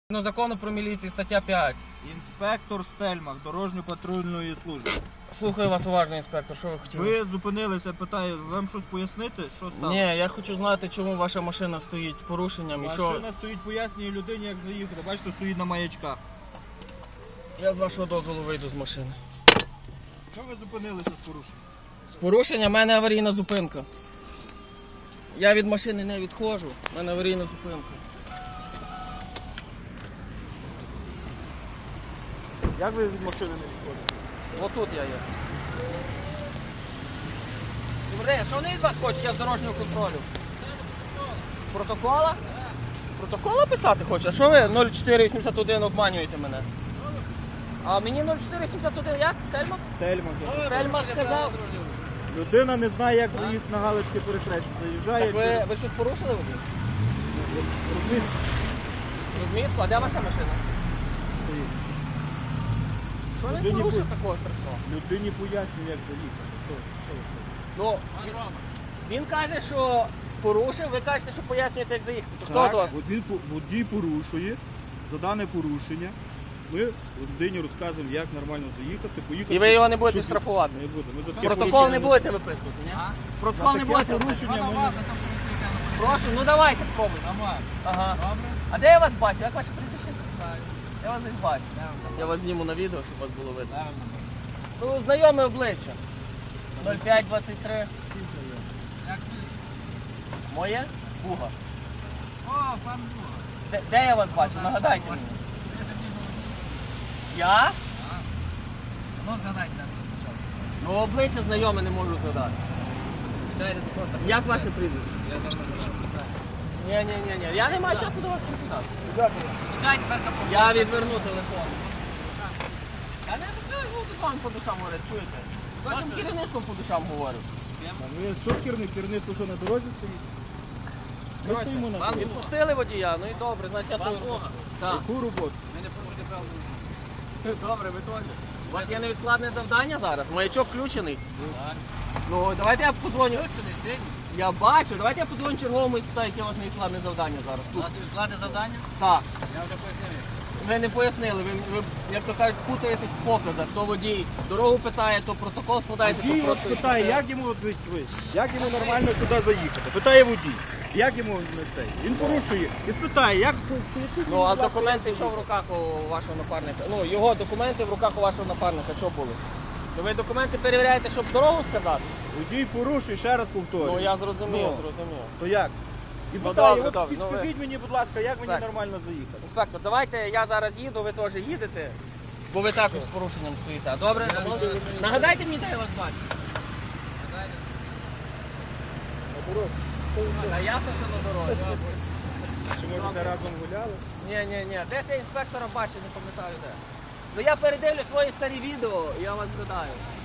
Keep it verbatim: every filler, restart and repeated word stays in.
Ну, закону про міліцію, стаття п'ять. Інспектор Стельмах, дорожньо-патрульної служби. Слухаю вас уважно, інспектор, що ви хотіли? Ви зупинилися, питаю, вам щось пояснити, що стало? Ні, я хочу знати, чому ваша машина стоїть з порушенням і що... Машина стоїть, пояснює людині, як заїхати. Бачите, стоїть на маячках. Я з вашого дозволу вийду з машини. Що ви зупинилися з порушенням? З порушенням, в мене аварійна зупинка. Я від машини не відходжу, в мене аварійна зупинка. Як ви від машини не відходите? Отут я є. Добрий день, що вони від вас хочуть? Я з дорожнього контролю. Протокола? Протокола писати хоче? А що ви нуль чотири вісімдесят один обманюєте мене? А мені нуль чотири вісімдесят один як? Стельмах? Стельмах. Стельмах сказав. Людина не знає, як заїхати на Галицьке перехрестя. Заїжджає. Так ви, ви щось порушили водій? Розмітку? А де ваша машина? Що він Людині порушив по- такого страшного? Людині пояснює, як заїхати. Що? Що? Що? Ну, він, він каже, що порушив, ви кажете, що пояснюєте, як заїхати. То хто з вас? водій, водій порушує, за дане порушення. Ми людині розказуємо, як нормально заїхати, поїхати. І ви його не будете щоб- штрафувати? Не будемо. Ми за таке Протокол порушення не будете виписувати, ні? Протокол За не таке будете порушення виписувати? ми не- Прошу, ну давайте спробуйте. Ага. А де я вас бачу? Як ваше прізвище? Я вас не бачу. Я вас зніму на відео, щоб вас було видно. Ну, знайоме обличчя. нуль п'ять двадцять три. Моє? Буга. О, пан Буга. Де, де я вас бачу? Нагадайте мені. Я? Ну, згадайте, так, спочатку. Ну, обличчя знайоме не можу згадати. Як ваше прізвище? Я завжди не знаю. Ні, ні, ні, ні. Я не маю часу до вас присідати. Включай тепер на Я відверну телефон. Я не почую з вами по душам говорити, чуєте? З вашим керівництвом по душам говорю. Ви що керівник? Керівництво що на дорозі стоїть? Ми Коротше, стоїмо на вам дорозі. відпустили водія, ну і добре, значить я свою роботу. Так. Яку роботу? Ми не порушуйте правил. Добре, ви теж. У вас є невідкладне завдання зараз, маячок включений. Так. Ну, давайте я подзвоню. Включений сьогодні. Я бачу, давайте я подзвоню черговому і спитаю, яке у вас невідкладне завдання зараз. У Тут. нас відкладне завдання? Так. Я вже пояснив. Ви не пояснили, ви, ви, як то кажуть, путаєтесь в показах. То водій дорогу питає, то протокол складаєте, Водій то вас просто... питає, як йому от ви- ви, як йому нормально туди заїхати. Питає водій, як йому не цей. Він порушує і спитає, як поясніть Ну, мені, а будь ласка, документи як що в руках у вашого напарника? Ну, його документи в руках у вашого напарника, що були? Ну, ви документи перевіряєте, щоб дорогу сказати? Водій порушує, ще раз повторюю. Ну, я зрозумів, Ну. зрозумів. То як? І Ну, питає, добре, от добре, ну, ви- підскажіть мені, будь ласка, як мені Так. нормально заїхати? Інспектор, давайте я зараз їду, ви теж їдете, бо ви також з порушенням стоїте. Добре? Нагадайте мені, де я вас бачу. А ясно, що на дорозі. Чи може не разом гуляли? Ні, ні, ні. Десь я інспектора бачив, не пам'ятаю де. Ну я передивлю свої старі відео, я вас згадаю.